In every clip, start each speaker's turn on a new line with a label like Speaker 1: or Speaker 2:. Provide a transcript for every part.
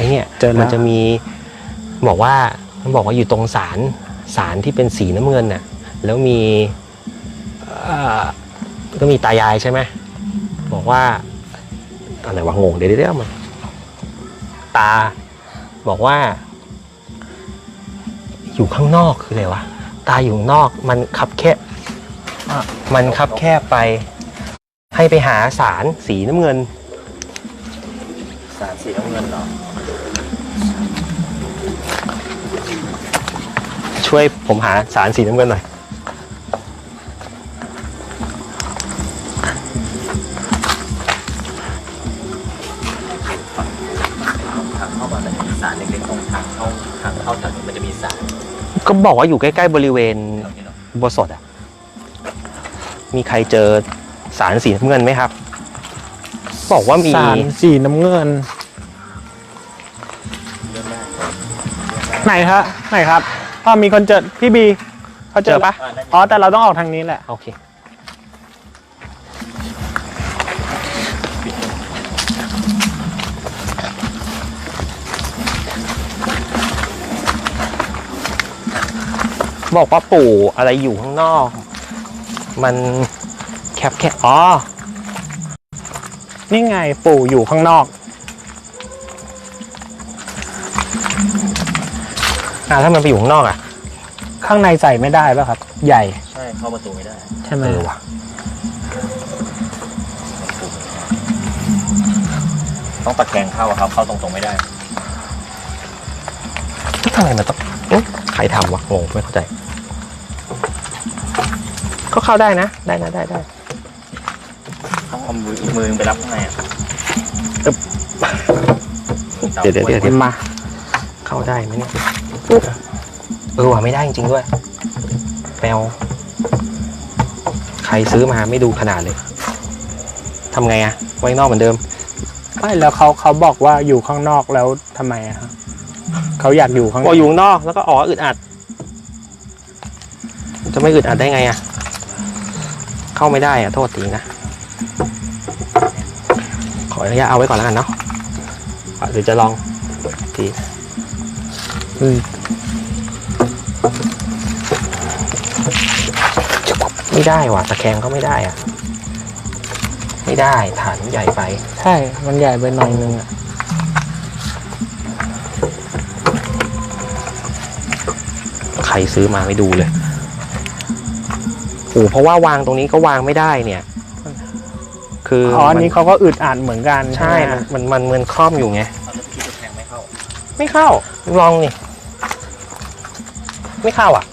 Speaker 1: เนี่ยมันจะมีบอกว่าอยู่ตรงศาลที่เป็นสีน้ำเงินน่ะแล้วมีก็มีตายายใช่ไหมบอกว่าอะไรวะงงเดี๋ยวมันตาบอกว่าอยู่ข้างนอกคืออะไรวะตาอยู่นอกมันคับแคบไปให้ไปหาสารสีน้ำเงิน
Speaker 2: สารสีน้ำเงินเหรอ
Speaker 1: ช่วยผมหาสารสีน้ำเงินหน่อย
Speaker 2: ทางเข้ามาแต่มีสารเล็กๆตรงทางเข้าแถวนี้มันจะมีสาร
Speaker 1: ก็บอกว่าอยู่ใกล้ๆบริเวณบัวสดอ่ะมีใครเจอสารสีน้ำเงินไหมครับบอกว่ามี
Speaker 3: สารสีน้ำเงินไหนครับมีคนเจอพี่บีเขาเจอปะอ๋อแต่เราต้องออกทางนี้แหละ
Speaker 1: โอเคบอกว่าปู่อะไรอยู่ข้างนอกมันแคบอ๋อ
Speaker 3: นี่ไงปู่อยู่ข้างนอก
Speaker 1: ถ้ามันไปอยู่ข้างนอกอ่ะ
Speaker 3: ข้างในใส่ไม่ได้ป่ะครับใหญ่
Speaker 2: ใช่เข้าประตูไม่ได้
Speaker 3: ใช่ไหม
Speaker 1: วะ
Speaker 2: ต้องตะแคงเข้าครับเข้าตรงๆไม่ได้
Speaker 1: ทำไมมันต้องใครทำวะงงไม่เข้าใจก็เข้าได้นะได้
Speaker 2: ต้องเอามือไปรับข้างใน
Speaker 1: เดี๋ยวมาเข้าได้ไหมเนี่ยว่ะไม่ได้จริงๆด้วยแปลวใครซื้อมาไม่ดูขนาดเลยทำไงอะไว้นอกเหมือนเดิม
Speaker 3: ไม่แล้วเขาบอกว่าอยู่ข้างนอกแล้วทำไมอะครับเขาอยากอยู่ข้างนอก
Speaker 1: อยู่นอกแล้วก็อึดอัดจะไม่อึดอัดได้ไงอะเข้าไม่ได้อะโทษทีนะขออนุญาตเอาไว้ก่อนแล้วกันเนาะหรือจะลองทีไม่ได้ว่ะตะแคงก็ไม่ได้อะไม่ได้ฐานใหญ่ไป
Speaker 3: ใช่มันใหญ่ไปหน่อยนึงอะ
Speaker 1: ใครซื้อมาไม่ดูเลยเพราะว่าวางตรงนี้ก็วางไม่ได้เนี่ยคือ
Speaker 3: อันนี้เขาก็อึดอัดเหมือนกัน
Speaker 1: ใช่มันเหมือนครอบอยู่ไงไม่เข้าลองนี่ไม่เข้าอ่ะ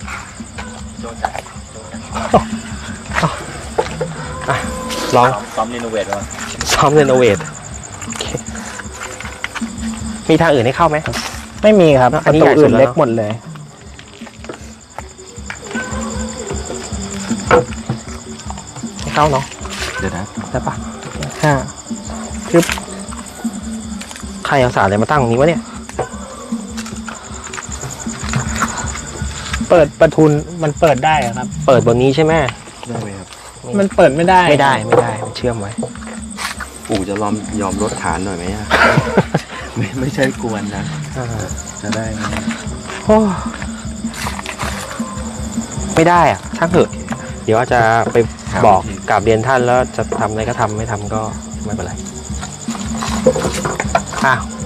Speaker 1: ลอง
Speaker 2: ซ้อมรีโนเวทก่อน
Speaker 1: ซ้อมรีโนเวทมีทางอื่นให้เข้าไหม
Speaker 3: ไม่มีครับประตูอื่นเล็กหมดเลย
Speaker 1: ไม่เข้าเนาะ
Speaker 2: เดี๋ยวนะ
Speaker 1: ได้ปะ
Speaker 3: คือ
Speaker 1: ใครเอาสารอะไรมาตั้งตรงนี้วะเนี่ย
Speaker 3: เปิดประทุนมันเปิดได้ครับ
Speaker 1: เปิดบนนี้ใช่ไหม
Speaker 2: ได้ไหมครับ
Speaker 3: มันเปิดไม่ได้
Speaker 1: มันเชื่อมไว้
Speaker 2: ปู่จะยอมลดฐานหน่อยไหมไม่ใช่กวนนะจะได้ไหม
Speaker 1: ไม่ได้อ่ะช่างเถอะเดี๋ยวอาจจะไปบอกกราบเรียนท่านแล้วจะทำอะไรก็ทำไม่ทำก็ไม่เป็นไร